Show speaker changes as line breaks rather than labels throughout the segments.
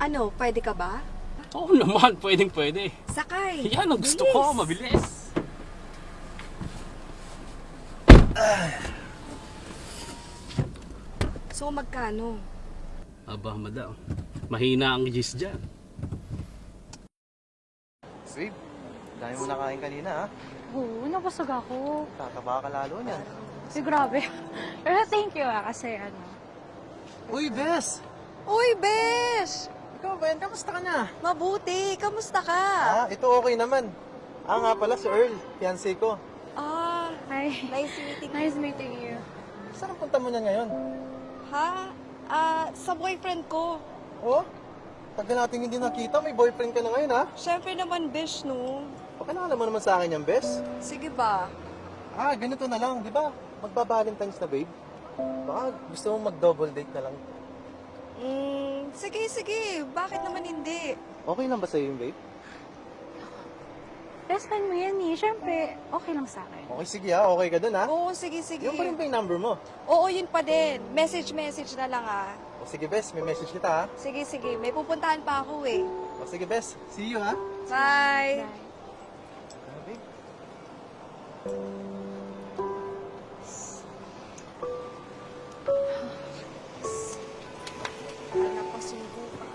Ano, pwede ka ba?
Oo naman, pwedeng pwede.
Sakay!
Yan ang gusto ko, mabilis.
So, magkano?
Aba, madam. Mahina ang gis dyan.
Babe, dami mo nakain kanina ha.
Oo, nabusog ako.
Tataba ka lalo niyan.
Uy, grabe. Pero thank you kasi
Uy, Bes!
Uy, Besh!
Ikaw ba yan? Kamusta ka na?
Mabuti! Kamusta ka?
Ito okay naman. Nga pala si Earl, fiancé ko.
Hi.
Nice meeting you.
Nice meeting you.
Saan ang punta mo niya ngayon?
Ha? Sa boyfriend ko.
Oh? Tagal natin hindi nakita, may boyfriend ka na ngayon ha?
Siyempre naman, Besh, no?
Pakilala mo naman sa akin yan, Bes.
Sige ba?
Ganito na lang, di ba? Magba-Valentine's na, babe. Baka gusto mo mag-double date na lang.
Sige. Bakit naman hindi?
Okay lang ba sa'yo yung babe?
Best friend mo yan eh. Siyempre, okay lang sa akin.
Okay, sige ha. Okay ka dun ha?
Oo, sige.
Yung pa rin ba yung number mo?
Oo, yun pa din. Message na lang
O sige, Bes. May message kita ha.
Sige. May pupuntahan pa ako eh.
O sige, Bes. See you ha.
Bye!
Bye.
Babe.
Napasubo pa.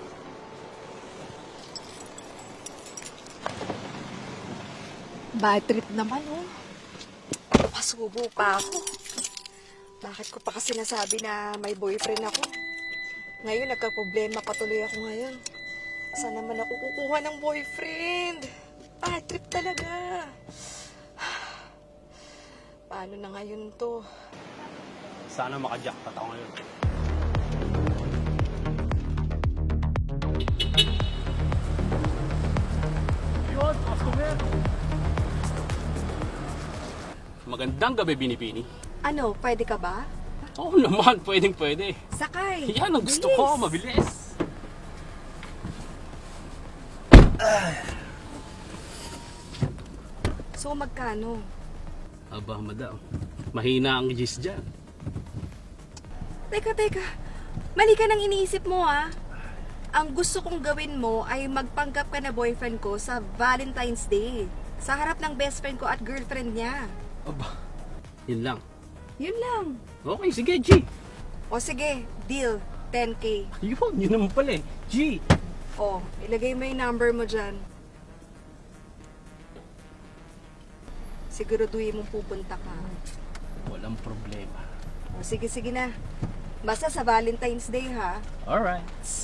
Bad trip naman, oh. Napasubo pa ako. Bakit ko pa kasi nasabi na may boyfriend ako? Ngayon, nagka-problema pa tuloy ako ngayon. Saan naman ako kukuha ng boyfriend? Bad trip talaga. Paano na ngayon to?
Sana makajackpot ako ngayon. Yun, customer. Magandang gabi, Binipini.
Ano, pwede ka ba?
Oo naman, pwedeng pwede.
Sakay!
Yan ang gusto
Bilis.
ko, mabilis.
So, magkano?
Aba, madam. Mahina ang gis dyan.
Teka. Mali ka nang iniisip mo, ah. Ang gusto kong gawin mo ay magpanggap ka na boyfriend ko sa Valentine's Day. Sa harap ng best friend ko at girlfriend niya.
Aba, yun lang.
Yun lang.
Okay, sige, G.
O sige, deal. 10K.
Yun naman pala eh. G.
O, ilagay mo yung number mo dyan. Siguraduhin mong pupunta ka.
Walang problema.
O sige na. Basta sa Valentine's Day, ha?
Alright.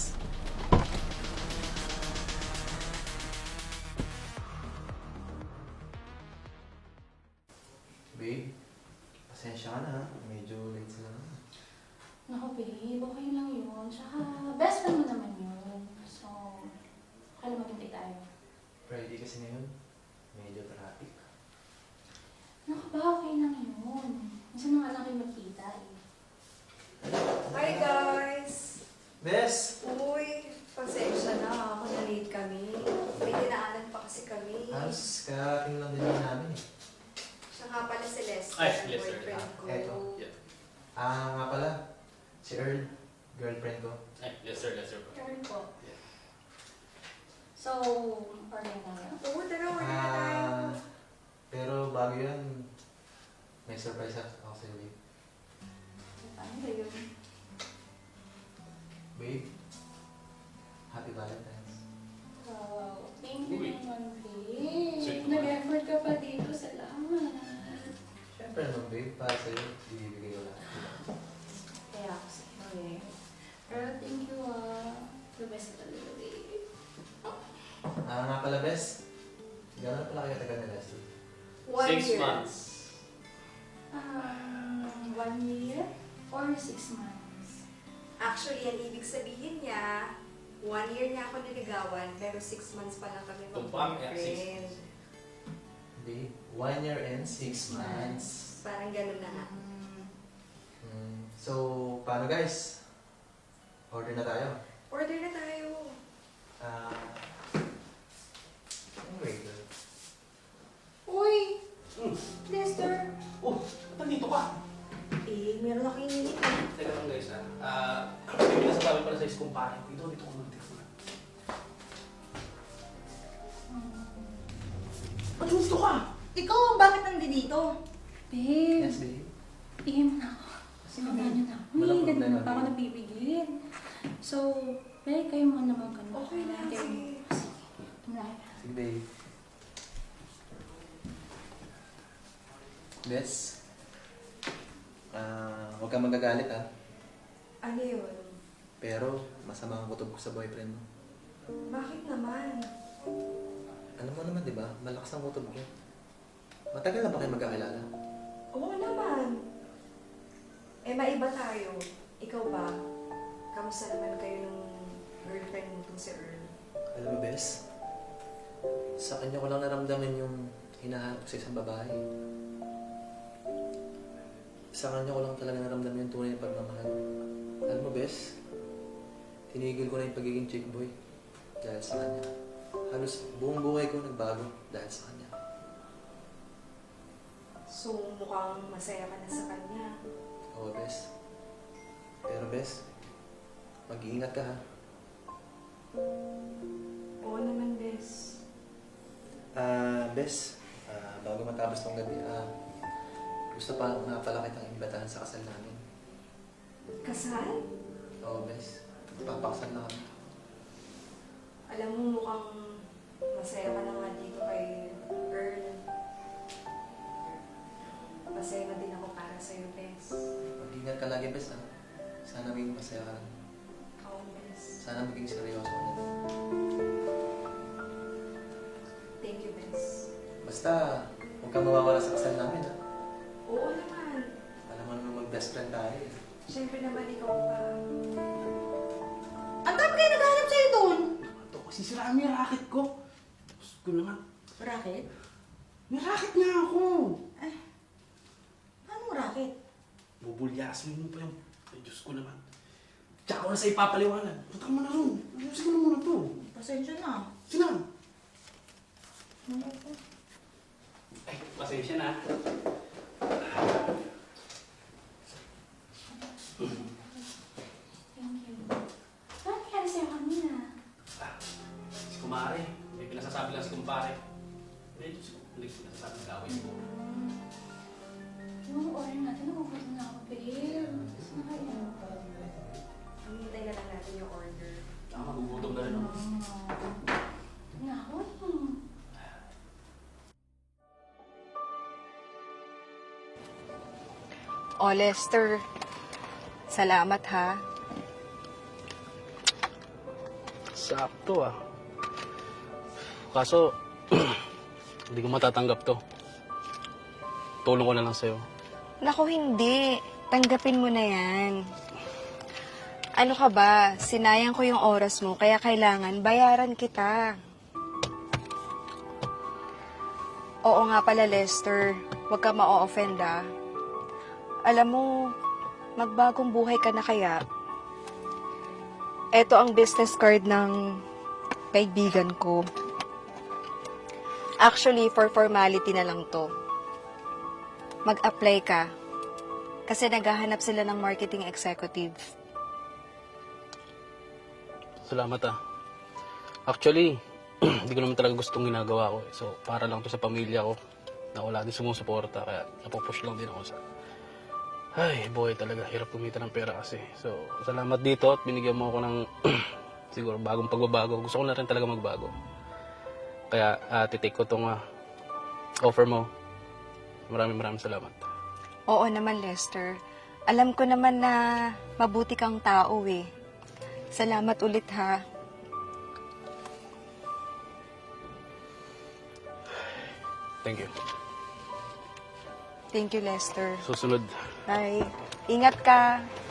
Babe, pasensya ka na ha. Medyo late sila na.
Naku, babe. Okay lang yun. Tsaka, best friend mo naman yun. So, okay lang maghintay tayo.
Friday kasi ngayon. Medyo traffic.
Naku ba, okay lang yun. Minsan na nga lang kayo magkita eh.
Hi, guys!
Bes!
Uy, pasensya na. Ako na late kami. May dinaanan pa kasi kami.
Halos karating lang din yun namin eh.
Siya nga pala si Lester,
Ay,
ang
Lester.
boyfriend ko.
Eto.
Yeah.
Nga pala. Si Earl, girlfriend ko.
Ay, yes sir, yes sir.
Karen po.
Yeah.
So, order na yun.
Oo, tara, order na tayo.
Pero bago yun, may surprise ako sa'yo, babe.
Paano ba yun?
Babe, happy Valentine's.
Wow, thank you
Uy.
naman, babe.
Sweet naman.
Nag-effort ka pa dito. Salamat.
Siyempre naman, babe, para sa'yo, ibibigay ko lahat.
Kaya ako sa'yo eh. Pero thank you The best ka talaga, babe.
Nga pala, Bes. Gano'n pala kayo tagal na Leslie?
1
6
year.
months.
1 year or 6 months?
Actually, ang ibig sabihin niya, 1 year niya ako niligawan, pero 6 months pa lang kami
Tumpang,
mag-boyfriend.
Babe, 1 year and 6 months.
Parang ganun na nga.
So, paano guys? Order na tayo.
Order na tayo.
Anyway, girl.
Uy! Lester!
Oh, ba't nandito ka?
Eh, meron akong iniinit.
Teka lang guys ha. May pinasasabi pala sa kumpare ko. Dito ko mag-text na. gusto ka?
Ikaw, bakit nandito?
Babe,
Yes, babe.
bigyan mo na ako. Sinabi niyo na ako.
Walang
Hindi,
problema,
na pa ako
babe.
napipigil. So, babe, kayo mo naman ka na.
Okay lang,
Kayo-
sige.
Tumulay.
Sige, babe. Bes, huwag kang magagalit ha.
Ano yun?
Pero, masama ang kutob ko sa boyfriend mo.
Bakit naman?
Alam mo naman, di ba? Malakas ang kutob ko. Matagal na ba kayo magkakilala?
Oo naman. Eh, maiba tayo. Ikaw ba? Kamusta naman kayo nung girlfriend mo tong si Earl?
Alam mo, Bes, sa kanya ko lang naramdaman yung hinahanap ko sa isang babae. Sa kanya ko lang talaga naramdaman yung tunay na pagmamahal. Alam mo, Bes, tinigil ko na yung pagiging chick boy dahil sa kanya. Halos buong buhay ko nagbago dahil sa kanya.
So, mukhang masaya ka na sa kanya.
Oo, Bes. Pero, Bes, mag-iingat ka ha.
Oo naman, Bes.
Bes, bago matapos tong gabi, gusto pa nga pala kitang imbitahan sa kasal namin.
Kasal?
Oo, Bes. Papakasal na kami.
Alam mo, mukhang masaya ka na nga dito kay Earl. Masaya na din ako para sa'yo, Bes.
Mag-ingat ka lagi, Bes, ha? Sana maging masaya ka lang.
Oo, Bes.
Sana maging seryoso ka na.
Thank you, Bes.
Basta, huwag kang mawawala sa kasal namin, ha?
Oo naman.
Alam mo naman mag-best friend tayo, eh.
Siyempre naman ikaw pa.
Ang dami kayo naghahanap sa'yo doon.
Ito kasi siraan mo yung racket ko. Gusto ko naman.
Racket?
May racket nga ako.
Anong racket?
Bubulyasin mo pa yung... Ay, Diyos ko naman. Tsaka ko na sa ipapaliwanag. Punta ka mo na rin. Ayusin mo na muna to.
Pasensya na.
Sinang? Ay, pasensya na.
Thank you. Bakit nangyari sa'yo kanina?
Si Kumare. May pinasasabi lang si Kumpare. Ay, Diyos ko. Hindi ko pinasasabi ng gawin ko.
Yung order natin, nakukuha na ako, babe. Saan na kayo?
Hintay na lang natin yung order.
Tama, magugutom na rin ako.
Na ako.
Oh, Lester. Salamat, ha.
Sakto ah. Kaso, hindi ko matatanggap to. Tulong ko na lang sa'yo.
Naku, hindi. Tanggapin mo na yan. Ano ka ba? Sinayang ko yung oras mo, kaya kailangan bayaran kita. Oo nga pala, Lester. Huwag ka ma-offend, ah. Alam mo, magbagong buhay ka na kaya. Ito ang business card ng kaibigan ko. Actually, for formality na lang to. Mag-apply ka. Kasi naghahanap sila ng marketing executive.
Salamat ah. Actually, hindi ko naman talaga gustong ginagawa ko. So, para lang to sa pamilya ko na wala din sumusuporta. Kaya napupush lang din ako sa... Ay, boy talaga. Hirap kumita ng pera kasi. So, salamat dito at binigyan mo ako ng siguro bagong pagbabago. Gusto ko na rin talaga magbago. Kaya titake ko tong offer mo. Maraming salamat.
Oo naman, Lester. Alam ko naman na mabuti kang tao eh. Salamat ulit ha.
Thank you.
Thank you, Lester.
Susunod.
Bye. Ingat ka.